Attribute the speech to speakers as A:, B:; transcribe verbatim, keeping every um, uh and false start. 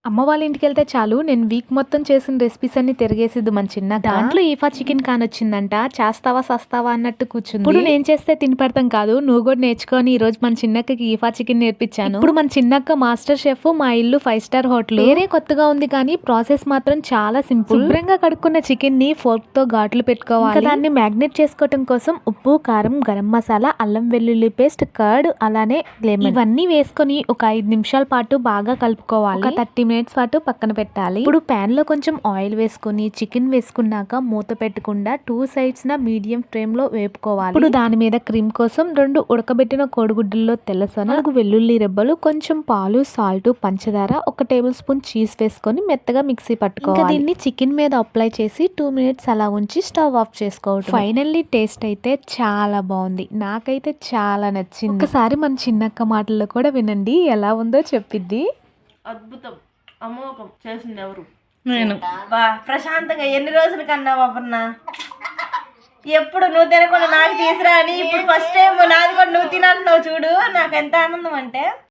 A: అమ్మ వాళ్ళ ఇంటికెళ్తే చాలు నేను వీక్ మొత్తం చేసిన రెసిపీస్ అన్ని తిరిగేసిద్ది మన చిన్న. దాంట్లో ఈఫా చికెన్ కానొచ్చిందంట. చేస్తావా సస్తావా అన్నట్టు కూర్చుంది. ఇప్పుడు నేను చేస్తే తిని పెడతాం కాదు, నువ్వు కూడా నేర్చుకొని ఈ రోజు మన చిన్నక్కకి ఈఫా చికెన్ నేర్పించాను. ఇప్పుడు మన చిన్నక్క మాస్టర్ షెఫ్, మా ఇల్లు ఫైవ్ స్టార్ హోటల్. వేరే కొత్తగా ఉంది కానీ ప్రాసెస్ మాత్రం చాలా సింపుల్. శుభ్రంగా కడుక్కున్న చికెన్ ని ఫోర్క్ తో ఘాట్లు పెట్టుకోవాలి. దాన్ని మ్యాగ్నేట్ చేసుకోవడం కోసం ఉప్పు, కారం, గరం మసాలా, అల్లం వెల్లుల్లి పేస్ట్, కర్డ్, అలానే లెమన్ ఇవన్నీ వేసుకొని ఒక ఐదు నిమిషాల పాటు బాగా కలుపుకోవాలి. ఒక థర్టీ మినిట్స్ పాటు పక్కన పెట్టాలి. ఇప్పుడు ప్యాన్ లో కొంచెం ఆయిల్ వేసుకుని చికెన్ వేసుకున్నాక మూత పెట్టకుండా టూ సైడ్స్ నా మీడియం ఫ్లేమ్ లో వేపుకోవాలి. ఇప్పుడు దాని మీద క్రీమ్ కోసం రెండు ఉడకబెట్టిన కోడిగుడ్డుల్లో తెల్లసొన, నాలుగు వెల్లుల్లి రెబ్బలు, కొంచెం పాలు, సాల్ట్, పంచదార, ఒక టేబుల్ స్పూన్ చీజ్ వేసుకొని మెత్తగా మిక్సీ పట్టుకోవాలి. ఇంకా దీన్ని చికెన్ మీద అప్లై చేసి టూ మినిట్స్ అలా ఉంచి స్టవ్ ఆఫ్ చేసుకోవడం. ఫైనల్లీ టేస్ట్ అయితే చాలా బాగుంది. నాకైతే చాలా నచ్చింది. ఒకసారి మన చిన్నక్క మాటల్లో కూడా వినండి, ఎలా ఉందో చెప్పిద్ది.
B: అద్భుతం, అమోఘం. చేసింది ఎవరు?
C: నేను.
B: బా ప్రశాంతంగా ఎన్ని రోజుల కన్నా అపర్ణ, ఎప్పుడు నువ్వు తినకుండా నాకు తీసురా అని ఇప్పుడు ఫస్ట్ టైం నాది కూడా నువ్వు తినంటున్నావు చూడు. నాకు ఎంత ఆనందం అంటే